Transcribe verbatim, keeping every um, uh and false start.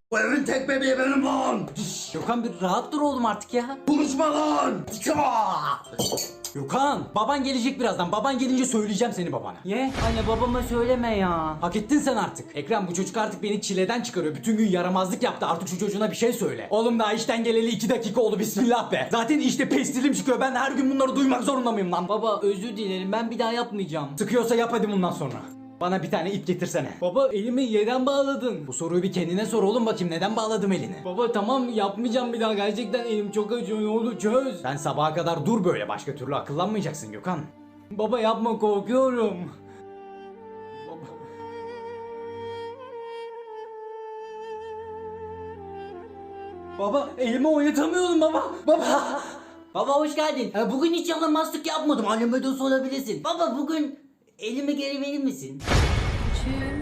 Bu evin tek bebeği benim lan. Gökhan bir rahat dur oğlum artık ya. Konuşma lan. Gökhan baban gelecek birazdan. Baban gelince söyleyeceğim seni babana. Ye anne babama söyleme ya. Hak ettin sen artık. Ekrem bu çocuk artık beni çileden çıkarıyor. Bütün gün yaramazlık yaptı. Artık şu çocuğuna bir şey söyle. Oğlum daha işten geleli iki dakika oldu, bismillah be. Zaten işte pestilim çıkıyor. Ben her gün bunları duymak zorunda mıyım lan? Baba özür dilerim, ben bir daha yapmayacağım. Sıkıyorsa yap hadi bundan sonra. Bana bir tane ip getirsene. Baba elimi yerden bağladın. Bu soruyu bir kendine sor oğlum, bakayım neden bağladım elini. Baba tamam yapmayacağım bir daha, gerçekten elim çok acıyor, ne olur çöz. Sen sabaha kadar dur böyle, başka türlü akıllanmayacaksın Gökhan. Baba yapma, korkuyorum. Baba. Baba elimi oynatamıyorum baba. Baba. Baba hoş geldin. E, bugün hiç yalamazlık yapmadım. Anneme de sorabilirsin. Baba bugün elimi geri verir misin? Tüm